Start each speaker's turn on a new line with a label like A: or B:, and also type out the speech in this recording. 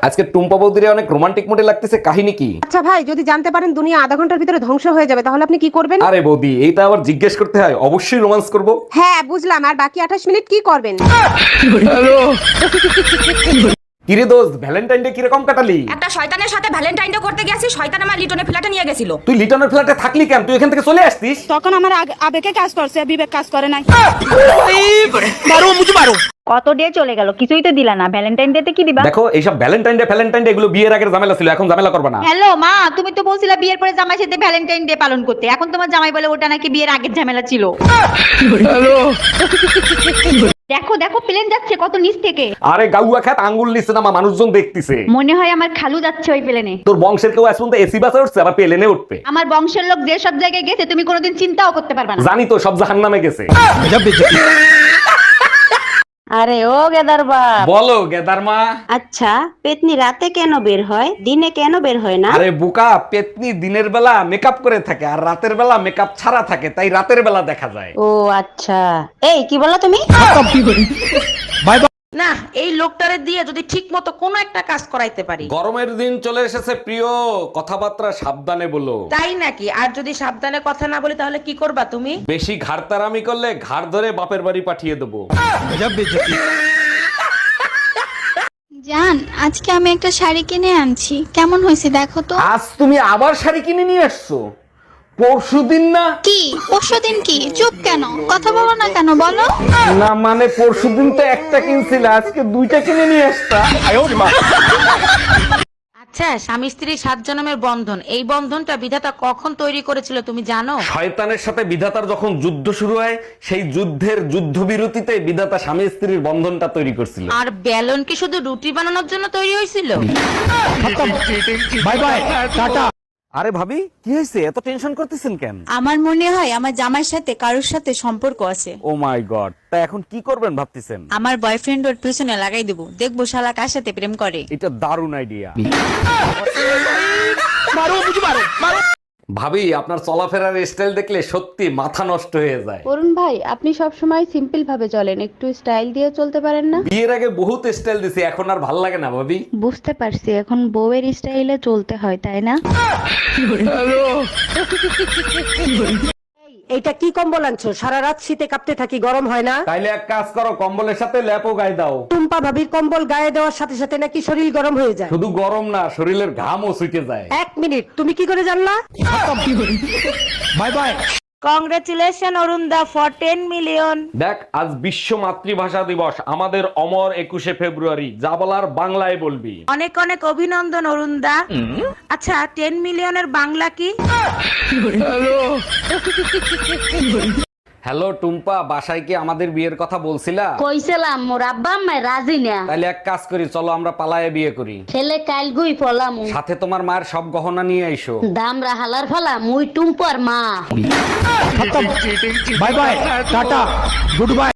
A: আজকে টুম্পা বৌদিরে অনেক রোমান্টিক মোডে লাগতেছে, কাহিনী কি?
B: আচ্ছা ভাই, যদি জানতে পারেন দুনিয়া আধা ঘন্টার ভিতরে ধ্বংস হয়ে যাবে তাহলে আপনি কি করবেন?
A: আরে বৌদি, এইটা আবার জিজ্ঞেস করতে হয়? অবশ্যই রোমান্স করব।
B: হ্যাঁ বুঝলাম, আর বাকি 28 মিনিট কি করবেন?
A: কিরে দোস্ত, ভ্যালেন্টাইন ডে কিরকম কাটালি?
C: একটা শয়তানের সাথে ভ্যালেন্টাইন ডে করতে গেছি, শয়তান আমার লিটনের ফ্ল্যাটে নিয়ে গেছিল।
A: তুই লিটনের ফ্ল্যাটে থাকলি কেন? তুই এখান থেকে চলে আসতিস।
D: তখন আমার আবেগে কাজ করছে, বিবেক কাজ করে নাই।
E: কত ডে চলে গেল, কিছুই তো দিলা না। ভ্যালেন্টাইন ডে তে কি দিবা?
A: দেখো, এইসব ভ্যালেন্টাইন ডে এগুলো বিয়ের আগের ঝামেলা ছিল, এখন ঝামেলা করবে না।
E: হ্যালো মা, তুমি তো বলছিলা বিয়ের পরে জামাই সাথে ভ্যালেন্টাইন ডে পালন করতে, এখন তোমার জামাই বলে ওটা নাকি বিয়ের আগের ঝামেলা ছিল। দেখো দেখো, প্লেন যাচ্ছে কত নিচ থেকে।
A: আরে গাউয়া খাত আঙ্গুল নিচ্ছে না, মানুষজন দেখতেছে।
E: মনে হয় আমার খালু যাচ্ছে ওই প্লেনে।
A: তোর বংশের কেউ এখন তো এসি বাসে উঠছে, আবার প্লেনে উঠবে।
E: আমার বংশের লোক যে সব জায়গায় গেছে তুমি কোনোদিন চিন্তাও করতে পারবে না।
A: জানি তো, সব জাহান্নামে গেছে।
F: আরে ও গেদার বাপ,
A: বলো গেদার মা।
F: আচ্ছা পেতনি রাতে কেন বের হয়, দিনে কেন বের হয় না?
A: আরে বোকা, পেতনি দিনের বেলা মেকআপ করে থাকে আর রাতের বেলা মেকআপ ছাড়া থাকে, তাই রাতের বেলা দেখা যায়।
F: ও আচ্ছা, এই কি বলো তুমি?
G: না, এই লোকটারে দিয়ে যদি ঠিক মতো কোনো একটা কাজ করাইতে পারি।
A: গরমের দিন চলে এসেছে প্রিয়, কথাবার্তা সাবধানে বলো।
G: তাই নাকি? আর যদি সাবধানে কথা না বলি তাহলে কি করবা তুমি?
A: বেশি ঘাড়তারামি করলে ঘাড় ধরে বাপের বাড়ি পাঠিয়ে দেবো।
H: জান, আজকে আমি একটা শাড়ি কিনে আনছি, কেমন হয়েছে দেখো তো।
A: আজ তুমি আবার শাড়ি কিনে নিয়ে আসছো? পরশুদিন না?
H: কি পরশুদিন? কি চুপ কেন, কথা বলো না কেন বলো।
A: না মানে পরশুদিন তো একটা কিনছিলে, আজকে দুইটা কিনে নিয়ে আসতা।
G: আচ্ছা, স্বামী স্ত্রী 7 জন্মের বন্ধন, এই বন্ধনটা বিধাতা কখন তৈরি করেছিল তুমি জানো?
A: শয়তানের সাথে বিধাতার যখন যুদ্ধ শুরু হয়, সেই যুদ্ধের যুদ্ধবিরতিতে বিধাতা স্বামী স্ত্রীর বন্ধনটা তৈরি করছিল।
G: আর বেলন কি শুধু রুটি বানানোর জন্য তৈরি হয়েছিল?
A: Bye bye, tata. আরে ভাবি, কি হয়েছে? এত টেনশন করতেছেন কেন?
D: আমার মনে হয় আমার জামাইয়ের সাথে কারোর সাথে সম্পর্ক আছে।
A: ও মাই গড, তা এখন কি করবেন ভাবতেছেন?
D: আমার বয়ফ্রেন্ড ওর পিছনে লাগাই দেবো, দেখবো শালা কার সাথে প্রেম করে।
A: এটা দারুণ আইডিয়া। ভাবি, আপনার চলাফেরার স্টাইল দেখলে সত্যি মাথা নষ্ট হয়ে যায়।
I: অরুণ ভাই, আপনি সব সময় সিম্পল ভাবে চলেন, একটু স্টাইল দিয়ে চলতে পারেন না?
A: বিয়ের আগে বহুত স্টাইল দিছি, এখন আর ভাল লাগে না ভাবি।
I: বুঝতে পারছি, এখন বউয়ের স্টাইলে চলতে হয় তাই না?
B: এইটা কি কম্বল আনছো? সারা রাত শীতে কাঁপতে থাকি, গরম হয় না?
A: তাইলে এক কাজ করো, কম্বলের সাথে ল্যাপও গায়ে দাও।
B: টুম্পা ভাবির কম্বল গায়ে দেওয়ার সাথে সাথে নাকি শরীর গরম হয়ে যায়?
A: শুধু গরম না, শরীরের ঘামও ছুটে যায়।
B: এক মিনিট, তুমি কি করে জানলা?
A: Bye bye.
E: Congratulation Arun da for 10 million.
A: দেখ, আজ বিশ্ব মাতৃভাষা দিবস, আমাদের অমর 21শে ফেব্রুয়ারি। যা বলার বাংলায় বলবি।
G: অনেক অনেক অভিনন্দন অরুণ দা। আচ্ছা, 10 মিলিয়নের বাংলা কি?
A: হ্যালো টুম্পা, বাসায় কি আমাদের বিয়ের কথা বলছিলা?
F: কইছিলাম মোর আব্বা আম্মা রাজি না।
A: তাইলে এক কাজ করি, চলো আমরা পালায়ে বিয়ে করি।
F: ছেলে কাল গুই ফলাম,
A: সাথে তোমার মায়ের সব গহনা নিয়ে আইসো।
F: দামরা হালার ফলা মুই টুম্পার মা।
A: Bye bye, tata, good by.